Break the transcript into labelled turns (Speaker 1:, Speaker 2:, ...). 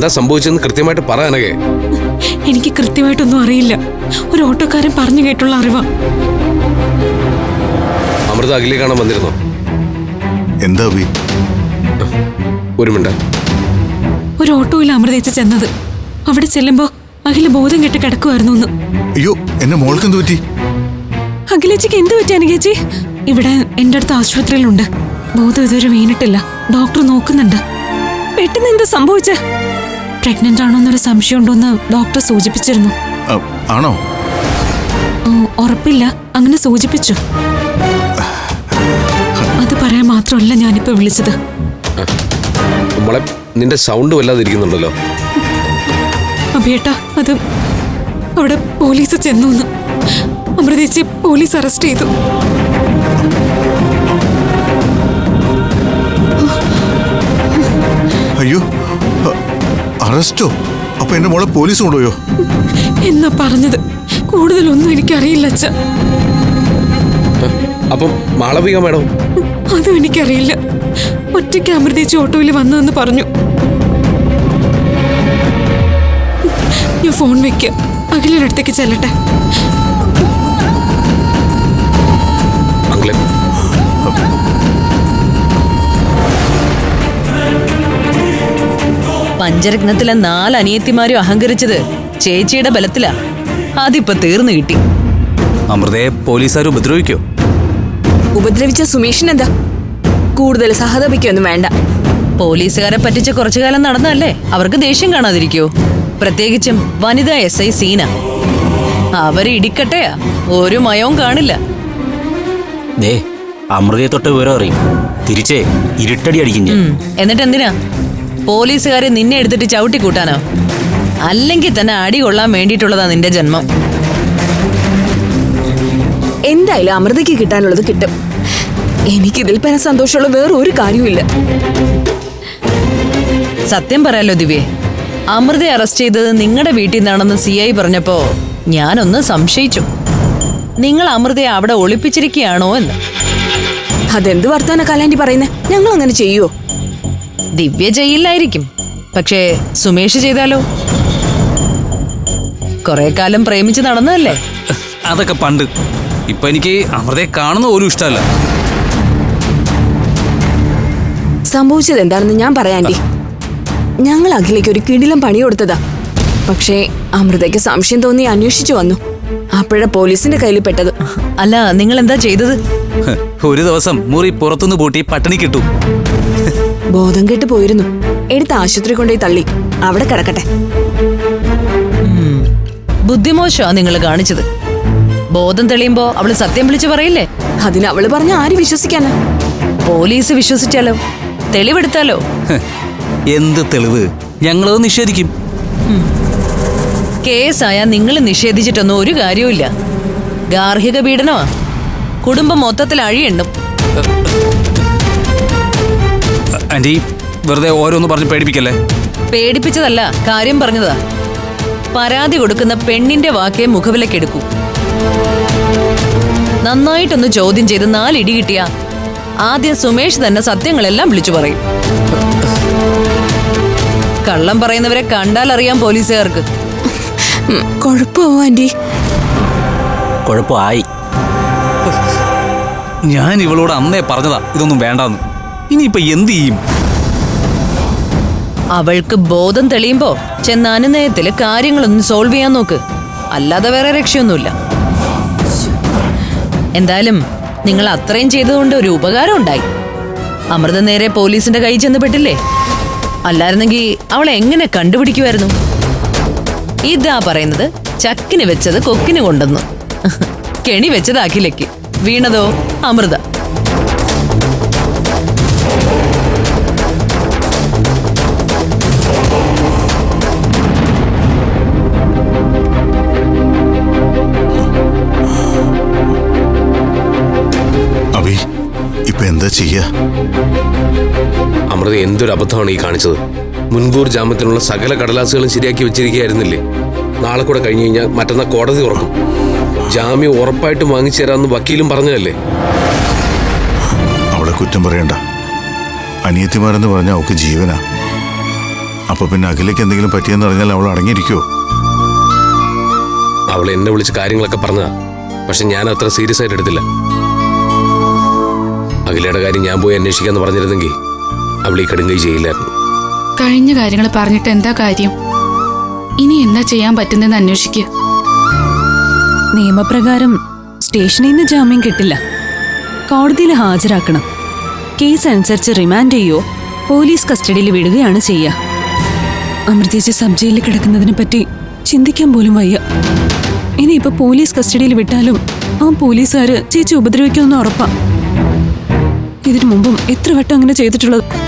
Speaker 1: എന്താ സംഭവിച്ചെന്ന് കൃത്യമായിട്ട് പറയാനകെ.
Speaker 2: എനിക്ക് കൃത്യമായിട്ടൊന്നും അറിയില്ല. ഒരു ഓട്ടോക്കാരൻ പറഞ്ഞു കേട്ടുള്ള അറിവാ.
Speaker 1: അമൃത അഖിലെ കാണാൻ വന്നിരുന്നോ?
Speaker 3: എന്താ
Speaker 1: ഒരു മിനിറ്റ്.
Speaker 2: ഒരു ഓട്ടോയിൽ അമൃതേച്ച ചെന്നത്. അവിടെ ചെല്ലുമ്പോ അഖില ബോധം കെട്ട് കിടക്കുമായിരുന്നു.
Speaker 3: അയ്യോ, എന്നെ മോൾക്ക് എന്ത് പറ്റി?
Speaker 2: അഖിലേച്ചിക്ക് എന്ത് പറ്റി അനുകേച്ചി? ഇവിടെ എന്റെ അടുത്ത് ആശുപത്രിയിലുണ്ട്. ബോധം ഇതുവരെ വീണിട്ടില്ല. ഡോക്ടർ നോക്കുന്നുണ്ട്. പെട്ടെന്ന് എന്താ സംഭവിച്ച? പ്രഗ്നന്റ് ആണോന്നൊരു സംശയം ഉണ്ടോന്ന് ഡോക്ടർ സൂചിപ്പിച്ചിരുന്നു.
Speaker 3: ആണോ?
Speaker 2: ഉറപ്പില്ല, അങ്ങനെ സൂചിപ്പിച്ചു. അത് പറയാൻ മാത്രമല്ല ഞാനിപ്പോ വിളിച്ചത്.
Speaker 1: മോളെ, നിന്റെ സൗണ്ട് വല്ലാതിരിക്കുന്നുണ്ടല്ലോ.
Speaker 2: അഭിയേട്ടാ, അത് അവിടെ പോലീസ് ചെന്നു. അമൃതേച്ചി പോലീസ് അറസ്റ്റ് ചെയ്തു.
Speaker 3: അയ്യോ, അറസ്റ്റോ? അപ്പൊ എന്റെ മോളെ പോലീസ് കൊണ്ടുപോയോ?
Speaker 2: എന്നാ പറഞ്ഞത്. കൂടുതലൊന്നും എനിക്കറിയില്ല അച്ഛ.
Speaker 1: അപ്പം മാളവിക മാഡം?
Speaker 2: അതും എനിക്കറിയില്ല. ഒറ്റയ്ക്ക് അമൃതേച്ചി ഓട്ടോയിൽ വന്നതെന്ന് പറഞ്ഞു. ഞാൻ ഫോൺ വെക്ക, അഖിലയുടെ അടുത്തേക്ക് ചെല്ലട്ടെ.
Speaker 4: പഞ്ചരത്നത്തിലെ 4 അനിയത്തിമാരും അഹങ്കരിച്ചത് ചേച്ചിയുടെ ബലത്തിലാ. അതിപ്പോ തീർന്നു കിട്ടി.
Speaker 5: അമൃതയെ പോലീസുകാർ ഉപദ്രവിക്കോ?
Speaker 6: ഉപദ്രവിച്ച സുമേഷിനെന്താ? കൂടുതൽ സഹതപിക്കൊന്നും വേണ്ട.
Speaker 4: പോലീസുകാരെ പറ്റിച്ച് കുറച്ചു കാലം നടന്നല്ലേ, അവർക്ക് ദേഷ്യം കാണാതിരിക്കോ? പ്രത്യേകിച്ചും വനിതാ SI സീന. അവര് ഇടിക്കട്ടെയാ, ഒരു മയവും കാണില്ല.
Speaker 5: അമൃതയെ തൊട്ട് വിവരം അറിയും. തിരിച്ചേ ഇരുട്ടടി അടിക്കും.
Speaker 4: എന്നിട്ട് എന്തിനാ പോലീസുകാരെ നിന്നെ എടുത്തിട്ട് ചവിട്ടി കൂട്ടാനോ? അല്ലെങ്കിൽ തന്നെ അടി കൊള്ളാൻ വേണ്ടിയിട്ടുള്ളതാ നിന്റെ ജന്മം.
Speaker 6: എന്തായാലും അമൃതയ്ക്ക് കിട്ടാനുള്ളത് കിട്ടും. എനിക്കിതിൽ പല സന്തോഷമുള്ള വേറെ ഒരു കാര്യമില്ല.
Speaker 4: സത്യം പറയാലോ ദിവ്യേ, അമൃതയെ അറസ്റ്റ് ചെയ്തത് നിങ്ങളുടെ വീട്ടിൽ നിന്നാണെന്ന് CI പറഞ്ഞപ്പോ ഞാനൊന്ന് സംശയിച്ചു. നിങ്ങൾ അമൃതയെ അവിടെ ഒളിപ്പിച്ചിരിക്കുകയാണോ എന്ന്.
Speaker 6: അതെന്ത് വർത്താന കാലാൻറ്റി പറയുന്നേ? ഞങ്ങൾ അങ്ങനെ ചെയ്യുവോ?
Speaker 4: ദിവ്യ ചെയ്യില്ലായിരിക്കും, പക്ഷേ സുമേഷ് ചെയ്താലോ? കുറെ കാലം പ്രേമിച്ച് നടന്നതല്ലേ.
Speaker 5: അതൊക്കെ പണ്ട്. ഇപ്പൊ എനിക്ക് അമൃതയെ കാണുന്ന പോലും ഇഷ്ടമല്ല.
Speaker 6: സംഭവിച്ചത് എന്താണെന്ന് ഞാൻ പറയാൻറ്റി. ഞങ്ങൾ അഖിലേക്ക് ഒരു കിടിലം പണി കൊടുത്തതാ. പക്ഷേ അമൃതയ്ക്ക് സംശയം തോന്നി അന്വേഷിച്ചു വന്നു. അപ്പോഴ പോലീസിന്റെ കയ്യിൽ പെട്ടത്.
Speaker 4: അല്ല, നിങ്ങൾ എന്താ ചെയ്തത്?
Speaker 5: ഒരു ദിവസം മുറി പുറത്തുനിന്ന് പൂട്ടി പട്ടിണി കിട്ടു.
Speaker 6: ബോധം കെട്ട് പോയിരുന്നു. എടുത്ത് ആശുപത്രി കൊണ്ടുപോയി തള്ളി. അവിടെ കിടക്കട്ടെ.
Speaker 4: ബുദ്ധിമോശമാ നിങ്ങൾ കാണിച്ചത്. ബോധം തെളിയുമ്പോ അവള് സത്യം വിളിച്ചു പറയില്ലേ?
Speaker 6: അതിന് അവള് പറഞ്ഞ ആര് വിശ്വസിക്കാനാ?
Speaker 4: പോലീസ് വിശ്വസിച്ചാലോ? തെളിവെടുത്താലോ?
Speaker 5: എന്ത് തെളിവ്? ഞങ്ങളത് നിഷേധിക്കും.
Speaker 4: കേസായ നിങ്ങൾ നിഷേധിച്ചിട്ടൊന്നും ഒരു കാര്യവുമില്ല. ഗാർഹിക പീഡനമാ. കുടുംബം മൊത്തത്തിൽ അഴിയെണ്ണും.
Speaker 5: ആന്റി, വെറുതെ ഓരോന്ന് പറഞ്ഞ് പേടിപ്പിക്കല്ലേ.
Speaker 4: പേടിപ്പിച്ചതല്ല, കാര്യം പറഞ്ഞതാ. പരാതി കൊടുക്കുന്ന പെണ്ണിന്റെ വാക്കേ മുഖവിലക്കെടുക്കൂ. നന്നായിട്ടൊന്ന് ചോദ്യം ചെയ്ത് 4 ഇടി കിട്ടിയ ആദ്യം സുമേഷ് തന്നെ സത്യങ്ങളെല്ലാം വിളിച്ചു പറയും. കള്ളം പറയുന്നവരെ കണ്ടാൽ അറിയാം പോലീസുകാർക്ക്.
Speaker 6: കുഴപ്പമോ ആന്റി?
Speaker 5: കുഴപ്പമായി. ഞാൻ ഇവളോട് അന്നേ പറഞ്ഞതാ ഇതൊന്നും വേണ്ടാന്ന്. ഇനിയിപ്പൊ എന്ത് ചെയ്യും?
Speaker 4: അവൾക്ക് ബോധം തെളിയുമ്പോ ചെന്ന അനുനയത്തില് കാര്യങ്ങളൊന്നും സോൾവ് ചെയ്യാൻ നോക്ക്. അല്ലാതെ വേറെ രക്ഷയൊന്നുമില്ല. എന്തായാലും നിങ്ങൾ അത്രയും ചെയ്തതുകൊണ്ട് ഒരു ഉപകാരം ഉണ്ടായി. അമൃത നേരെ പോലീസിന്റെ കൈ ചെന്ന് പെട്ടില്ലേ? അല്ലായിരുന്നെങ്കിൽ അവളെ എങ്ങനെ കണ്ടുപിടിക്കുമായിരുന്നു? ഇതാ പറയുന്നത്, ചക്കിന് വെച്ചത് കൊക്കിന് കൊണ്ടെന്ന്. കെണി വെച്ചത് അഖിലേക്ക്, വീണതോ അമൃത.
Speaker 3: ഇപ്പൊ എന്താ ചെയ്യാ?
Speaker 1: അമൃത എന്തൊരു അബദ്ധമാണ് ഈ കാണിച്ചത്. മുൻകൂർ ജാമ്യത്തിനുള്ള സകല കടലാസുകളും ശരിയാക്കി വെച്ചിരിക്കുകയായിരുന്നില്ലേ? നാളെ കൂടെ കഴിഞ്ഞു കഴിഞ്ഞാൽ മറ്റന്നാൾ കോടതി തുറക്കും. ജാമ്യം ഉറപ്പായിട്ടും വാങ്ങിച്ചു തരാമെന്ന് വക്കീലും പറഞ്ഞതല്ലേ?
Speaker 3: അവളെ കുറ്റം പറയണ്ട. അനിയത്തിമാരെന്ന് പറഞ്ഞാൽ അവൾക്ക് ജീവനാ. അപ്പൊ പിന്നെ അഖിലേക്ക് എന്തെങ്കിലും പറ്റിയെന്ന് പറഞ്ഞാൽ അവൾ അടങ്ങിയിരിക്കുവോ?
Speaker 1: അവൾ എന്നെ വിളിച്ച് കാര്യങ്ങളൊക്കെ പറഞ്ഞതാ, പക്ഷെ ഞാൻ അത്ര സീരിയസ് ആയിട്ട് എടുത്തില്ല. അഖിലയുടെ കാര്യം ഞാൻ പോയി അന്വേഷിക്കാന്ന് പറഞ്ഞിരുന്നെങ്കിൽ അവൾ ഈ കടുങ്കൈ ചെയ്യില്ലായിരുന്നു.
Speaker 7: കഴിഞ്ഞ കാര്യങ്ങൾ പറഞ്ഞിട്ട് എന്താ കാര്യം? ഇനി എന്താ ചെയ്യാൻ പറ്റുന്നതെന്ന് അന്വേഷിക്കുക.
Speaker 2: നിയമപ്രകാരം സ്റ്റേഷനിൽ നിന്ന് ജാമ്യം കിട്ടില്ല, കോടതിയിൽ ഹാജരാക്കണം. കേസ് അനുസരിച്ച് റിമാൻഡ് ചെയ്യോ പോലീസ് കസ്റ്റഡിയിൽ വിടുകയാണ് ചെയ്യുക. അമൃതേച്ചി സബ് ജയിലിൽ കിടക്കുന്നതിനെ പറ്റി ചിന്തിക്കാൻ പോലും വയ്യ. ഇനിയിപ്പോ പോലീസ് കസ്റ്റഡിയിൽ വിട്ടാലും ആ പോലീസുകാര് ചേച്ചി ഉപദ്രവിക്കുമെന്ന് ഉറപ്പാ. ഇതിനു മുമ്പും എത്ര വട്ടം അങ്ങനെ ചെയ്തിട്ടുള്ളത്.